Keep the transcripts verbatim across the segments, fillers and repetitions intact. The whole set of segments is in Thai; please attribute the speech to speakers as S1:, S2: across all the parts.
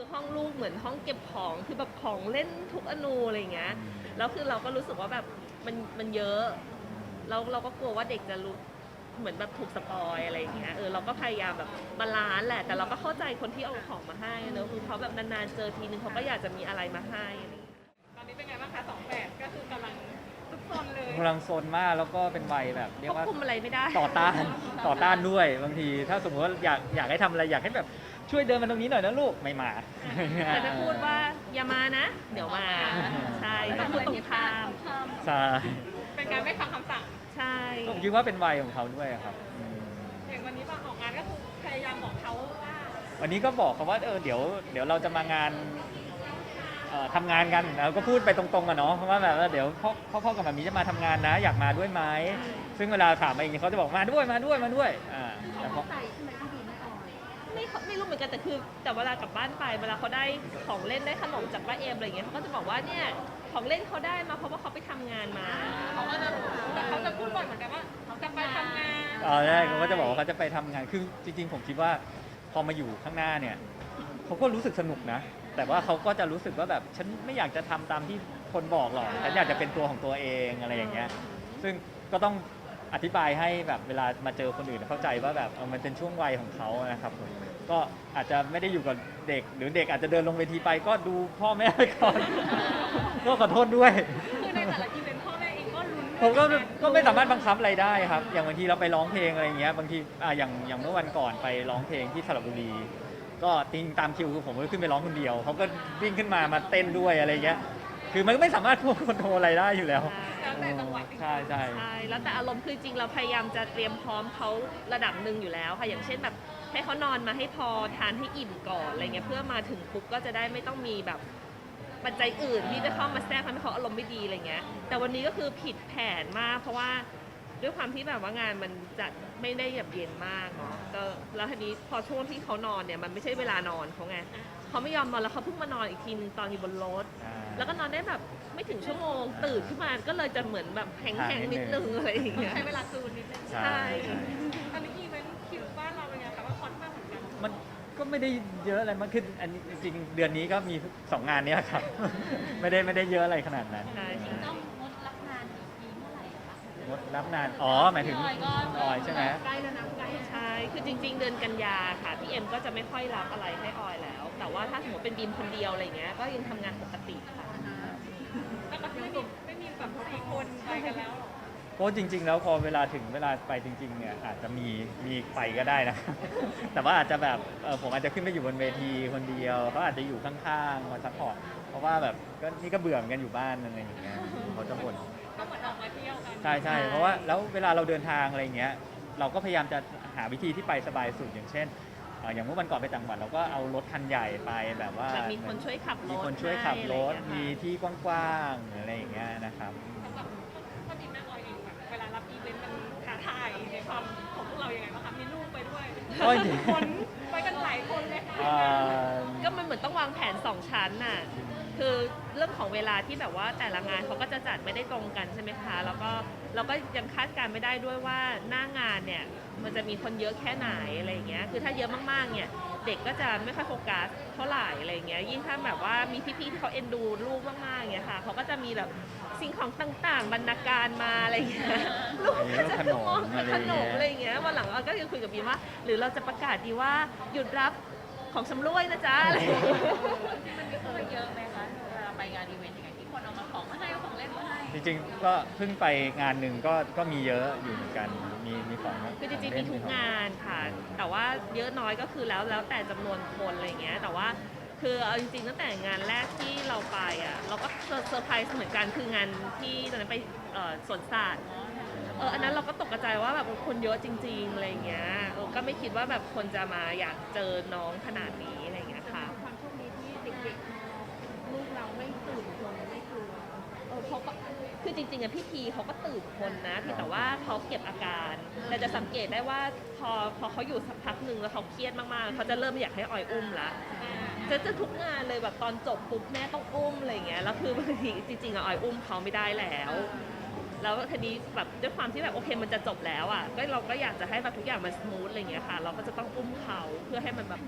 S1: ห้องลูกเหมือนห้องเก็บของคือแบบของเล่นทุกอนูอะไรอย่างเงี้ยแล้วคือเราก็รู้สึกว่าแบบมันมันเยอะแล้วเราก็กลัวว่าเด็กจะรู้เหมือนแบบถูกสปอยอะไรอย่างเงี้ยเออเราก็พยายามแบบบาลานซ์แหละแต่เราก็เข้าใจคนที่เอาของมาให้เนอะคือเขาแบบนานๆเจอทีนึงเขาก็อยากจะมีอะไรมาให้อะไรอย่างเงี้ย
S2: ตอนนี้เป็นไงบ้างคะสองแปดก็คือกำลังทุกซนเลย
S3: กำลังโซนมากแล้วก็เป็นวัยแบบเรีย
S1: ควบ
S3: กว่า
S1: คุมอะไรไม่ได้
S3: ต่อต้านต่อต้านด้วยบางทีถ้าสมมติว่าอยากอยากให้ทำอะไรอยากให้แบบช่วยเดินมาตรงนี้หน่อยนะลูกไม่มา
S1: แต่จะพูดว่าอย่ามานะ เดี๋ยวมาใช่ต้องพูดตรงข้าม
S3: ใช่
S2: เป็นการไม่ฟังคำสั่ง
S1: ใช่
S3: ผมคิดว่าเป็นวัยของเขาด้วยครับอืม
S2: อย่างวันนี้มาออกงานก็คือพยายามบอกเขาว่า
S3: วันนี้ก็บอกเขาว่าเออเดี๋ยวเดี๋ยวเราจะมางานเอ่อทำงานกันเราก็พูดไปตรงๆอะเนาะเพราะว่าแบบว่าเดี๋ยวพ่อพ่อพ่อกับแบบนี้จะมาทำงานนะ อยากมาด้วยไหมซึ่งเวลาถามมาอย่างนี้เขาจะบอกมาด้วยมาด้วยมาด้วยอ่าแต่พอ
S1: ไม่ไม่รู้เหมือนกันแต่คือแต่เวลากลับบ้านไปเวลาเขาได้ของเล่นได้ขนมจากป้าเอมอะไรอย่างเงี้ยเขาก็จะบอกว่าเนี่ยของเล่นเขาได้มาเพราะว่าเขาไปทำงานมา
S2: เขาก็จะแต่เขาจะพูดบ่อยเหมือนกันว่าเขาจะไปทำงาน
S3: ตอนแรกเขาก็จะบอกว่าเขาจะไปทำงาน คือจริงๆ ผมคิดว่าพอมาอยู่ข้างหน้าเนี่ยเขาก็รู้สึกสนุกนะ แต่ว่าเขาก็จะรู้สึกว่าแบบฉันไม่อยากจะทำตามที่คนบอกหรอก ฉันอยากจะเป็นตัวของตัวเองอะไรอย่างเงี้ย ซึ่งก็ต้องอธิบายให้แบบเวลามาเจอคนอื่นเข้าใจว่าแบบเออมันเป็นช่วงวัยของเขานะครับผมก็อาจจะไม่ได้อยู่กับเด็ก หรือเด็กอาจจะเดินลงเวทีไปก็ดูพ่อแม่ไปก่อน ก็ขอโทษด้วย
S2: คือในแต่ละอีเวนต์พ่อแม่เองก็ลุ้น
S3: ผมก็ก็ไม่สามารถบังคับอะไรได้ครับ อย่างบางทีเราไปร้องเพลงอะไรอย่างเงี้ย บางทีอ่าอย่างอย่างเมื่อวันก่อนไปร้องเพลงที่สระบุรี ก็จริงตามคิวคือผมก็ขึ้นไปร้องคนเดียว เขาก็วิ่งขึ้นมามาเต้นด้วยอะไรเงี้ย คือมันก็ไม่สามารถควบคุมอะไรได้อยู่แล้ว
S2: แล้วแต่จังหวะ
S3: ใช่ใช่
S1: ใช่แล้วแต่อารมณ์คือจริงเราพยายามจะเตรียมพร้อมเขาระดับหนึ่งอยู่แล้วค่ะอย่างเช่นแบบให้เขานอนมาให้พอทานให้อิ่มก่อนอะไรเงี้ยเพื่อมาถึงปุ๊บก็จะได้ไม่ต้องมีแบบปัจจัยอื่นที่จะเข้ามาแทรกทำให้เขาอารมณ์ไม่ดีอะไรเงี้ยแต่วันนี้ก็คือผิดแผนมาก เพราะว่าด้วยความที่แบบว่างานมันจัดไม่ได้แบบเย็นมากเนาะก็แล้วทีนี้พอช่วงที่เขานอนเนี่ยมันไม่ใช่เวลานอนเขาไงเขาไม่ยอมนอนแล้วเขาเพิ่งมานอนอีกทีนึงตอนอยู่บนรถ แล้วก็นอนได้แบบไม่ถึงชั่วโมงตื่นขึ้นมาก็เลยจะเหมือนแบบแข็งๆนิดนึงอะไรอย่างเงี้ย
S2: ใช้เวลาซูนนิดนึง
S3: ใช่
S1: ใช่
S2: ตอนนี้อีเวนต์คิวบ้านเราเป็นไงคะว่าคอนมากเหมือนกัน
S3: มันก็ไม่ได้เยอะอะไรมากขึ้นอันนี้จริงๆเดือนนี้ก็มีสองงานเนี้ยครับ ไม่ได้ไม่ได้เยอะอะไรขนาดนั้น
S1: ใช่
S4: ต้องงดรับงานอีกทีเมื่อไหร่อะคะ
S3: งดรับนาน อ๋อ หมายถึง
S4: พี่ออยก็
S3: ออยใช่ไหม
S2: ใกล้แล้วนะใกล้
S1: ใช่คือจริง ๆ เดือนกันยาค่ะพี่เอ็มก็จะไม่ค่อยรับอะไรให้ออยแล้ว แต่ว่าถ้าสมมติเป็นบีมคนเดียวอะไรเงี้ยก็ยังทำงานปกติค่ะ
S2: แล้วก็ไม่มีไม่มีแบบสี่คนไปกันแล้วหรอ
S3: เพราะจริง ๆ แล้วพอเวลาถึงเวลาไปจริง ๆ เนี่ยอาจจะมีมีไปก็ได้นะ แต่ว่าอาจจะแบบเออผมอาจจะขึ้นไปอยู่บนเวทีคนเดียวเขาอาจจะอยู่ข้างๆมาซัพพอร์ตเพราะว่าแบบก็นี่ก็เบื่อเหมือนกันอยู่บ้านอะไรอย่างเงี้ยเขาจะบ่น
S2: ก็เหมือนออกมาเที่ยวกัน
S3: ใช่ใช่เพราะว่าแล้วเวลาเราเดินทางอะไรอย่างเงี้ยเราก็พยายามจะหาวิธีที่ไปสบายสุดอย่างเช่นเอ่ออย่างเมื่อวันก่อนไปต่างจังหวัดเราก็เอารถคันใหญ่ไปแบบว่า
S1: แบบมีคนช่วยขับรถ
S3: มีคนช่วยขับรถ
S1: ให้อะไร
S3: มี
S1: อย่างเงี้ยค่ะ
S3: ที่กว้างๆอะไรอย่างเงี้ยนะครับ
S2: สำหรับพ่อดีแม่ออยเองแบบเวลารับอีเวนต์มันท้าทายในความของพวกเรายังไงบ้างคะมีลูกไปด้วย
S3: ก็จริง
S2: คนไปกันหลายคนเลยค่ะ
S3: เอ่อ
S1: ก็มันเหมือนต้องวางแผนสองชั้นน่ะ คือเรื่องของเวลาที่แบบว่าแต่ละงานเขาก็จะจัดไม่ได้ตรงกันใช่ไหมคะ แล้วก็เราก็ยังคาดการณ์ไม่ได้ด้วยว่าหน้างานเนี่ยมันจะมีคนเยอะแค่ไหนอะไรอย่างเงี้ย คือถ้าเยอะมากๆเนี่ยเด็กก็จะไม่ค่อยโฟกัสเท่าไหร่อะไรอย่างเงี้ย ยิ่งถ้าแบบว่ามีพี่ๆที่เขาเอ็นดูลูกมากๆเนี่ยค่ะเขาก็จะมีแบบสิ่งของต่างๆ บรรณาการมาอะไรอย่างเงี้ย ลูกก็จะมองขนมอะไรอย่างเงี้ย วันหลังเราก็ยังคุยกับบีมว่า หรือเราจะประกาศดีว่าหยุดรับของชำร่วยนะจ๊ะอะไรอย่างเงี้ย
S4: มันมีคนเยอะไหมคะเวลาไปงานอีเวนต์ยังไงที่คนเอามาของมาให้เอาของเล่นมาให้
S3: จริงๆก็เพิ่งไปงานหนึ่งก็ก็มีเยอะอยู่เหมือนกันมีมีของ
S1: คือจริงๆมีทุกงานค่ะ แต่ว่าเยอะน้อยก็คือแล้วแล้วแต่จำนวนคนอะไรอย่างเงี้ย แต่ว่าคือเอาจริงๆตั้งแต่งานแรกที่เราไปอ่ะเราก็เซอร์ไพรส์เหมือนกันคืองานที่ตอนนั้นไปเอ่อสวนสัตว์เอออันนั้นเราก็ตกใจว่าแบบคนเยอะจริงๆอะไรอย่างเงี้ยเออก็ไม่คิดว่าแบบคนจะมาอยากเจอน้องขนาดนี้อะไรอย่างเงี้ยค่ะ
S2: ความโชคดีที่เด็กๆลูกเราไม่ตื่นคนไม่กลัว
S1: เออเขาก็คือจริงๆอะพี่พีเขาก็ตื่นคนนะเพียงแต่ว่าเขาเก็บอาการ แต่จะสังเกตได้ว่าพอพอเขาอยู่สักพักหนึ่งแล้วเขาเครียดมากๆเขาจะเริ่มอยากให้ออยอุ้มละจะจะทุกงานเลยแบบตอนจบปุ๊บแม่ต้องอุ้มอะไรอย่างเงี้ยแล้วคือบางทีจริงๆอะออยอุ้มเขาไม่ได้แล้ว แล้วทีนี้แบบด้วยความที่แบบโอเคมันจะจบแล้วอ่ะก็เราก็อยากจะให้แบบทุกอย่างมันสมูทอะไรอย่างเงี้ยค่ะ เราก็จะต้องอุ้มเขาเพื่อให้มันแบบ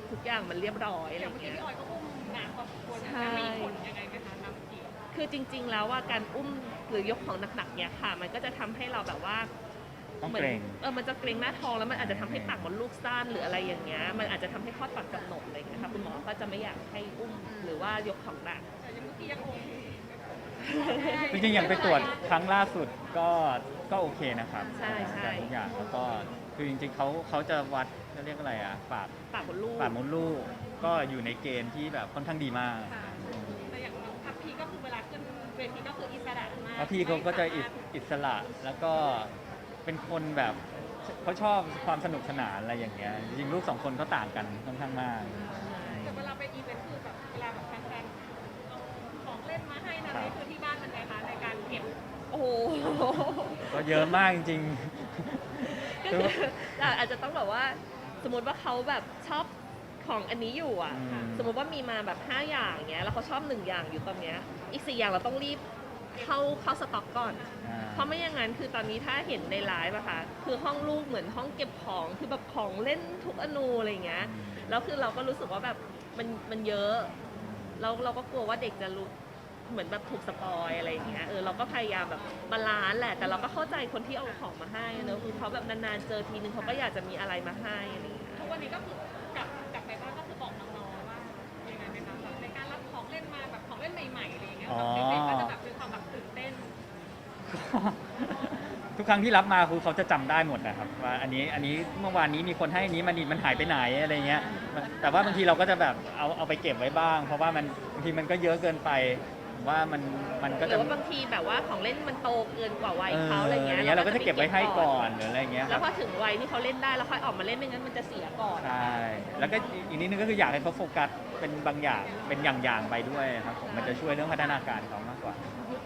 S1: ทุกอย่างมันเรียบร้อยอะไร
S2: อย่างเมื่อกี้
S1: เงี้ย
S2: พี่ออยก็อุ้มนานพอสมควร
S1: ใช่
S2: มีผลยังไงไหมคะน้ำกี่
S1: คือจริง ๆ แล้วว่าการอุ้มหรือยกของหนักๆเนี่ยค่ะ มันก็จะทำให้เราแบบว่า
S3: ต้อง
S1: เหมื
S3: เกรง
S1: เออมันจะเกรงหน้าท้องแล้วมันอาจจะทำให้ปากมดลูกสั้นหรืออะไรอย่างเงี้ยมันอาจจะทำให้คลอดก่อนกำหนดอะไรอย่างเงี้ยค่ะคุณหมอก็จะไม่อยากให้อุ้มหรือว่ายกของหนัก
S2: แต่ยังเมื่อกี้ยังโอเค
S3: จริงๆอย่างไปตรวจครั้งล่าสุดก็ก็โอเคนะครับ
S1: ใช่ใช่
S3: ทุกอย่างแล้วก็คือจริงๆเขาเขาจะวัดเขาเรียกอะไรอ่ะปาก
S1: ปากมดลูก
S3: ปากมดลูกก็อยู่ในเกณฑ์ที่แบบค่อนข้างดีมาก
S2: ค่ะแต่อย่างน้องพับพีก็คือเวลาขึ้นเวทีก็คืออิสระมาก
S3: แล้วพี่เขาก็จะอิสอิสระแล้วก็เป็นคนแบบเขาชอบความสนุกสนานอะไรอย่างเงี้ยจริงๆลูกสองคนเขาต่างกันค่อนข้างมาก
S2: แต่เวลาไปอีเวนต์คือแบบเวลาแบบแฟนๆเอาของเล่นมาให้นะนี่คือที่บ้านมันไงคะในการเก็บ
S1: โอ้โห
S3: ก็เยอะมากจริง
S1: ก็คือเราอาจจะต้องแบบว่าสมมติว่าเขาแบบชอบของอันนี้อยู่อ่ะ
S3: อืม
S1: สมมติว่ามีมาแบบห้าอย่างเงี้ยแล้วเขาชอบหนึ่งอย่างอยู่ตอนเนี้ยอีกสี่อย่างเราต้องรีบเข้าเข้าสต็อกก่อน
S3: ๆอ่า
S1: เพราะไม่อย่างนั้นคือตอนนี้ถ้าเห็นในไลฟ์อะค่ะคือห้องลูกเหมือนห้องเก็บของคือแบบของเล่นทุกอนูอะไรอย่างเงี้ยแล้วคือเราก็รู้สึกว่าแบบมันมันเยอะแล้วเราก็กลัวว่าเด็กจะรู้เหมือนแบบถูกสปอยอะไรอย่างเงี้ยเออเราก็พยายามแบบบาลานซ์แหละแต่เราก็เข้าใจคนที่เอาของมาให้เนอะคือเขาแบบนานๆเจอทีนึงเขาก็อยากจะมีอะไรมาให้อะไรอย่างเงี้ย
S2: ทุกวันนี้ก็คือกลับกลับไปบ้านก็คือบอกน้องๆว่ายังไงไหมคะแบบในการรับของเล่นมาแบบของเล่นใหม่ๆอะไรอย่างเงี้ยแบบเด็กๆก็จะแบบมีความแบบตื่นเต้น
S3: ทุกครั้งที่รับมาคือเขาจะจำได้หมดนะครับว่าอันนี้อันนี้เมื่อวานนี้มีคนให้อันนี้มันมันหายไปไหนอะไรเงี้ยมันแต่ว่าบางทีเราก็จะแบบเอาเอาไปเก็บไว้บ้าง เพราะว่ามันบางทีมันก็เยอะเกินไปผมว่ามันมันก็
S1: หรื
S3: จะ
S1: อว่าบางทีแบบว่าของเล่นมันโตเกินกว่าวัย
S3: เออ
S1: เขาอะไรเงี้ย
S3: อย่างเงี้ยเราก็จะเก็บไว้ให้ก่อนหรืออะไรเงี้ยค
S1: แล้
S3: รั
S1: ว
S3: บ
S1: พอถึงวัยที่เขาเล่นได้แล้วค่อยออกมาเล่นไม่งั้นมันจะเสียก่อน
S3: ใช่แล้วก็อีกนิดนึงก็คืออยากให้เขาโฟกัสเป็นบางอย่างเป็นอย่างๆไปด้วยครับผมมันจะช่วยเรื่องพัฒนาการเขามากกว่า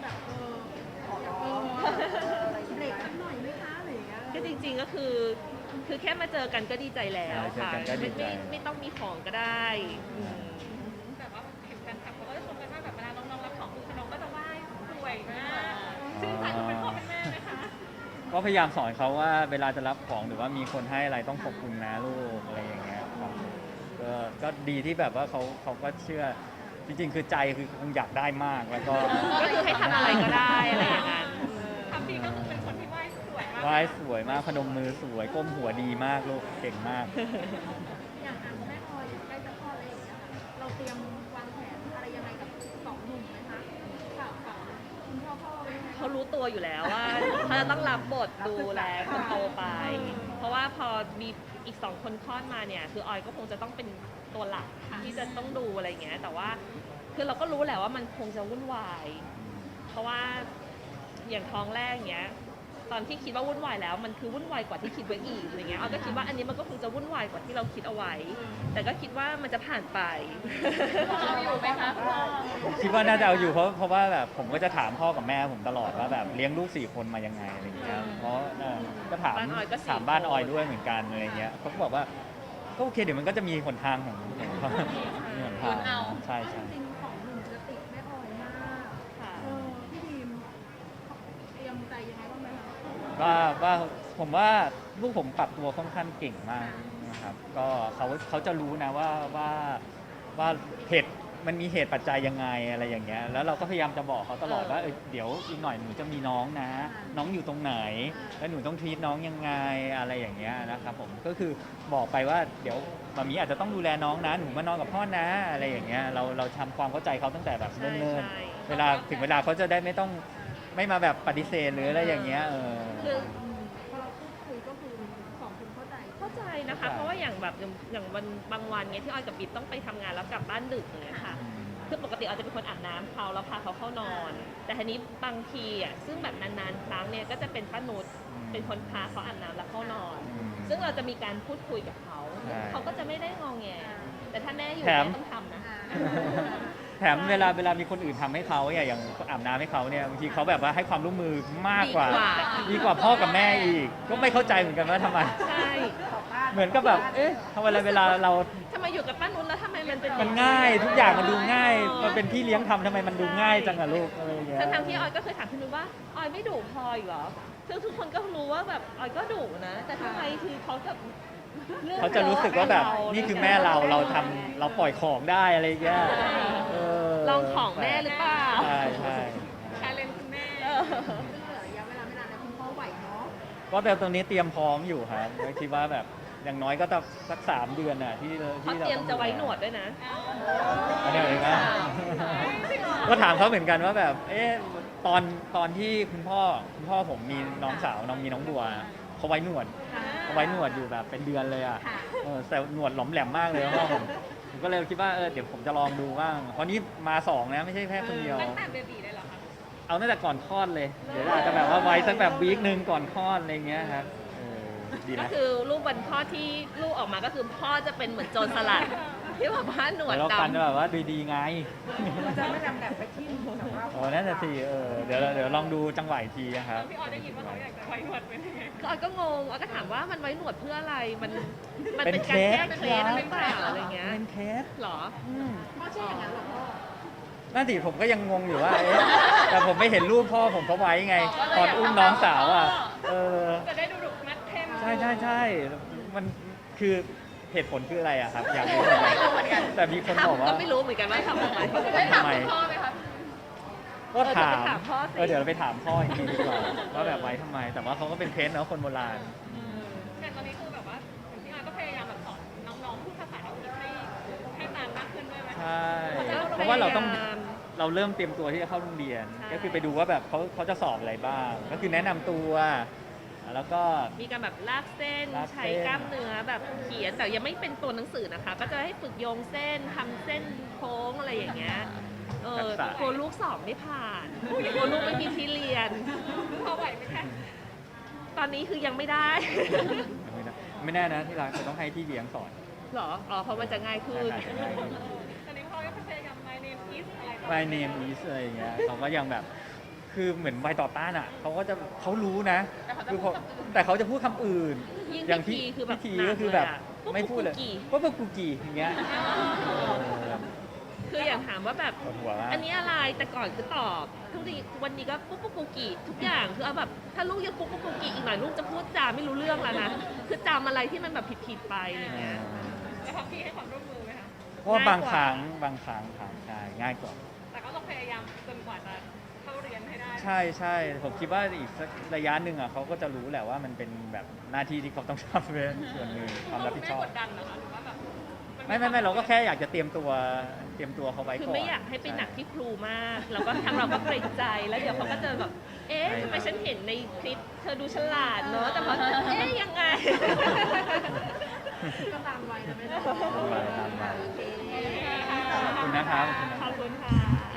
S5: เบรกสักหน่อยไหมคะอะไรอย่างเงี้ย
S1: ก็จริงๆก็คือคือแค่มาเจอกันก็ดีใจแล้ว
S3: ใช่เจอ
S1: ค่ะ
S3: กันก็ดี
S1: ไม่
S3: ใจ
S1: ไม่ไม่ต้องมีของก็ได้อืม
S2: แต่ว่าเห็นแฟนคลับเขาก็จะชมกันว่าแบบเวลาน้องๆรับของคือน้องก็จะไหว้สวยมากชื่นใจคุณเป็นพ่อเป็นแม่ไหมคะ
S3: ก็พยายามสอนเขาว่าเวลาจะรับของหรือว่ามีคนให้อะไรต้องขอบคุณนะลูกอะไรอย่างเงี้ยครับก็ก็ดีที่แบบว่าเขาเขาก็เชื่อจริงๆ คือใจคือคงอยากได้มากแล้วก็
S1: ก็คือให้ทำอะไรก็ได้อะไรอย่างนั้น
S2: ทำพีก็คือเป็นคนที่ไหว้สวยมาก
S3: ไหว้สวยมากพนมมือสวยก้มหัวดีมากลูกเก่งมาก
S5: อย่างอ่ะคุณแม่พลอยใกล้จะคลอดอะไรอย่างเงี้ยค่ะเราเตรียมวางแผนอะไรยังไงกับสองหนุ่มไหมคะข่าวข่าวคุณพ่อพ่อไว้ไหม
S1: เขารู้ตัวอยู่แล้วว่าเขาจะต้องรับบทดูแลคนโตไป เพราะว่าพอมีอีกสองคนคลอดมาเนี่ย คือออยก็คงจะต้องเป็นตัวหลักที่จะต้องดูอะไรอย่างเงี้ย แต่ว่าคือเราก็รู้แหละว่ามันคงจะวุ่นวาย เพราะว่าอย่างท้องแรกอย่างเงี้ย ตอนที่คิดว่าวุ่นวายแล้วมันคือวุ่นวายกว่าที่คิดไว้อีกอะไรเงี้ยออยก็คิดว่าอันนี้มันก็คงจะวุ่นวายกว่าที่เราคิดเอาไว้ แต่ก็คิดว่ามันจะผ่านไป
S4: เราอยู่ไหมคะพ่อ
S3: ผมคิดว่าน่าจะเอาอยู่เพราะเพราะว่าแบบผมก็จะถามพ่อกับแม่ผมตลอดว่าแบบเลี้ยงลูกสี่คนมายังไงอะไรอย่างเงี้ยเพราะเออก็ถาม
S1: บ้านออยก็สี่
S3: ถามบ้าน
S1: คน
S3: ออยด้วยเหมือนกันอะไรเงี้ยเขาก็บอกว่าก็โอเคเดี๋ยวมันก็จะมีหนทางของของเขามีหนทาง
S4: หนเอา
S3: ใช่
S5: จ
S3: ใช่
S5: ริงๆของหนุ่มจะติดแม่ออยมาก
S1: ค่ะ
S5: เออพี่ดีมเตรียมใจยังไงบ้างไหมคะ
S3: ว่าว่าผมว่าลูกผมปรับตัวค่อนข้างเก่งมากนะครับก็เขาเขาจะรู้นะว่าว่าว่าเหตุมันมีเหตุปัจจัยยังไงอะไรอย่างเงี้ยแล้วเราก็พยายามจะบอกเขาตลอดว่าเอ้ยเดี๋ยวอีกหน่อยหนูจะมีน้องนะ น้องอยู่ตรงไหน แล้วหนูต้องทีทน้องยังไงอะไรอย่างเงี้ยนะครับผมก็คือบอกไปว่าเดี๋ยวมามีอาจจะต้องดูแลน้องนะหนูมานอนกับพ่อนะอะไรอย่างเงี้ยเราเราทำความเข้าใจเขาตั้งแต่แบบ
S1: ใช่
S3: เนิ่น
S1: ใช่
S3: ๆเวลาถึงเวลาเขาจะได้ไม่ต้องไม่มาแบบปฏิเสธหรืออะไรอย่างเงี้ยเออ
S1: คือ
S5: อืมพอเราพูดคุยก็คือสองคนเข้าใจ
S1: เข้าใจนะคะ เพราะว่าอย่างแบบอย่างอย่างวันบางวันเงี้ยที่ออยกับบิ๊กต้องไปทำงานแล้วกลับบ้านดึกอย่างเงี้ยค่ะ คือปกติออยจะเป็นคนอาบน้ำเขาแล้วพาเขาเข้านอน แต่ทีนี้บางทีอ่ะซึ่งแบบนานๆครั้งเนี่ยก็จะเป็นป้านุช
S3: อืม
S1: เป็นคนพาเขาอาบน้ำแล้วเข้านอน
S3: อืม
S1: ซึ่งเราจะมีการพูดคุยกับเขา
S3: ใช่
S1: เขาก็จะไม่ได้งองแง แต่ถ้าแม่อยู่
S3: แถม
S1: แม่ต้องทำนะ
S3: แถมเวลาเวลามีคนอื่นทำให้เขาเนี่ยอย่างอาบน้ำให้เขาเนี่ยบางทีเขาแบบว่าให้ความร่วมมือมากกว่า
S1: ดีกว่า
S3: ดีกว่าพ่อกับแม่อีก ก็ไม่เข้าใจเหมือนกันว่าทำไม
S1: ใช่
S3: เหมือนกับแบบเอ๊ะทำไมเวลาเวลาเรา
S1: ทำไมอยู่กับป้านุชแล้วทำไมมันเป็น
S3: มันง่าย ทุกอย่างมันดูง่าย
S1: อ๋อ
S3: มันเป็นพี่เลี้ยงทำทำไมมันดูง่ายจังอะลูกอะไรอย่างเงี้ย
S1: ทั้งๆที่ออยก็เคยถามพี่นุชว่าออยไม่ดุพลอยเหรอซึ่งทุกคนก็รู้ว่าแบบออยก็ดุนะ แต่ทำไมคือเขาแบบ
S3: เขาจะรู้สึกว่าแบบ
S1: เรื่อง
S3: นี่คือแม่เราเราทำเราปล่อยของได้อะไรอย่างเงี้ยเ
S1: ลองของแม่หรือเปล่า
S3: ใช่ใช่
S2: ชาเลนจ์คุณแม่
S1: เออ
S5: ซึ่งเหลือระยะเวลาไม่นานแล้วคุณพ่อไหวเนาะ
S3: ก็แต่ตรงนี้เตรียมพร้อมอยู่ครับก็คิดว่าแบบอย่างน้อยก็ต้องสักสามเดือนอ่ะที่
S1: เขา
S3: ที่เรา
S1: เตรียม
S3: ต้อง
S1: จะไว้หนวดด้วยนะ
S3: อันนี้เองนะก็ถามเขาเหมือนกันว่าแบบ เอ๊ะตอนตอนที่คุณพ่อคุณพ่อผมมีน้องสาวน้องมีน้องบัวเขาไว้หนวดเขาไว้หนวดอยู่แบบเป็นเดือนเลยอ่ะ
S5: ค่ะ
S3: เออแต่หนวดหลอมแหลมมากเลยพ่อผมผมก็เลยคิดว่าเออเดี๋ยวผมจะลองดูบ้างเพราะนี่มาสองนะไม่ใช่แค่คนเดียว
S2: ตั้งแต่เบบีเลยเหรอคะ
S3: เอาตั้งแต่ก่อนคลอดเลย เดี๋ยวอาจจะแบบว่าไว้สักแบบวีคหนึ่งก่อนคลอดอะไรเงี้ยครับเออดี
S1: ก็
S3: นะ
S1: คือรูปวันพ่อที่ลูกออกมาก็คือพ่อจะเป็นเหมือนโจรสลัด ที่แบบว่าหนวด
S3: เดี๋ยวเราฟัน
S1: ดำ
S3: แบบว่าดีๆไง
S5: มันจะไม่ดำแบบไปทิ่มแบบว่า
S3: โอ้นั่นน่ะสิเออเดี๋ยวเราเดี๋ยวลองดูจังหวะอีกทีนะครับ
S2: พี่ออยได้ยินว่าเขาอยากจะไว้หนวดเป็นยังไง
S1: ก็ออยก็งงออยก็ถามว่ามันไว้หนวดเพื่ออะไร มันมัน
S3: เป็น
S1: เป็นการแก้
S3: เค
S1: เค
S3: ส
S1: ล็ดหรือเปล่าอะไรเงี้ย
S3: เป็นเคส
S1: หรอ
S3: อืม
S5: พ่อเชื่ออย่างนั้นเหรอพ่อ
S3: นั่นสิผมก็ยังงงอยู่ว่าเอ๊ะแต่ผมไม่เห็นรูปพ่อผมเขาไว้ไงตอนอุ้มน้องสาวอ่ะเออ
S2: จะได้ดูดุมัดเข้ม
S3: ใช่ใช่ใช่มันคือเหตุผลคืออะไรอะครับ อยากรู้เหมือนกันแต่มีคนบอก
S1: ทำ
S3: ว่า
S1: ก็ไม่รู้เหมือนกันว่าทำทำไม
S4: ได้ถามคุณพ่อไหมคะ
S3: ก็ถาม
S1: เออเดี๋ยวไปถามพ่อสิ
S3: เออเดี๋ยวเราไปถามพ่ออีกทีดีกว่าว่าแบบไว้ทำไม แต่ว่าเขาก็เป็นเคสเนาะคนโบราณ
S2: แต่ตอนนี้คือแบบว่าพี่ออยก็พยายามแบบสอนน้องๆพูดภาษาอังกฤษให้ให้ตามมากขึ้นด้วยไหม
S3: ใช่ เพราะว่าเราต้องเราเริ่มเตรียมตัวที่จะเข้าโรงเรียน ก็คือไปดูว่าแบบเขาเขาจะสอบอะไรบ้าง ก็คือแนะนำตัวแล้วก็
S1: มีการแบบลากเส้น
S3: ลากเส้น
S1: ใช้กล้ามเนื้อแบบเขียนแต่ยังไม่เป็นตัวหนังสือนะคะ ก็จะให้ฝึกโยงเส้นทำเส้นโค้งอะไรอย่างเงี้ยเออกลัวลูกสอบไม่ผ่านกลัวลูกไม่มีที่เรียน
S2: พอไหวไหมคะ
S1: ตอนนี้คือยังไม่ได้
S3: ไม่ได้ไม่แน่นะที่ร้านจะต้องให้ที่เลี้ยงสอน
S1: หรอ อ๋อ เพราะมันจะง่ายขึ้น
S3: ใช่ใช่
S2: ตอนนี้พ่อก็พยายาม my name is อะไรก็
S3: My name is อะไรอย่างเงี้ยเขาก็ยังแบบคือเหมือนใบต่อต้านอ่ะเขาก็จะเขารู้นะคือเขาแต่เขาจะพูดคำอื่น
S1: ยิ่ง
S3: อย่าง
S1: พิธีคือแบบ
S3: พิธี
S1: หนัก
S3: ก็คือแบบ
S1: เลยอะ
S3: ไม่พูดเลย
S1: ปุ๊บปุ๊บกุ๊กกี่
S3: ว่าปุ๊บกูกี่อย่างเงี้ยเออ
S1: คืออย่างถามว่าแบบ
S3: ปวดหัวมาก
S1: อันนี้อะไร แต่ก่อนคือตอบ ทุกทีวันนี้ก็ปุ๊บปุ๊บกุ๊กกี่ทุกอย่าง คือเอาแบบ ถ้าลูกยังปุ๊บปุ๊บกุ๊กกี่อีกหน่อยลูกจะพูดจาไม่รู้เรื่องแล้วนะ คือจำอะไรที่มันแบบผิดๆไปอย่างเงี้ย
S2: แล้วพักพี่ให้ความร่วมมือไหมคะ
S3: เพราะว่าบาง
S1: ง่ายกว่า
S3: ครั้งบางครั้งครั้งใช่ง่ายกว่า
S2: แต่ก็ต้องพยายามจนกว่าจะเข้าเรียนให้ได้
S3: ใช่ใช่ผมคิดว่าอีกสักระยะหนึ่งอ่ะเขาก็จะรู้แหละว่ามันเป็นแบบหน้าที่ที่เขาต้องทำเป็นส่วนหนึ่งความรับผิดชอบ
S2: ไม่กดดันนะคะหรือว่าแบบน
S3: ไม่ไม่ไม่เราก็แค่อยากจะเตรียมตัวเตรียมตัวเขาไว้ก่อน
S1: คือไม่อยากให้ไปหนักที่ครูมาก แล้วก็ทางเราก็เกรงใจ แล้วเดี๋ยวเขาก็จะแบบ เอ๊ะทำไมฉันเห็นในคลิปเธอดูฉลาดเนอะ แต่พอเอ๊ะยังไง
S5: ก็ตามวัยนะไม่ได้
S3: ตามวัยตามวัย
S5: โอเค
S3: ขอบคุณนะครับ
S1: ขอบคุณค่ะ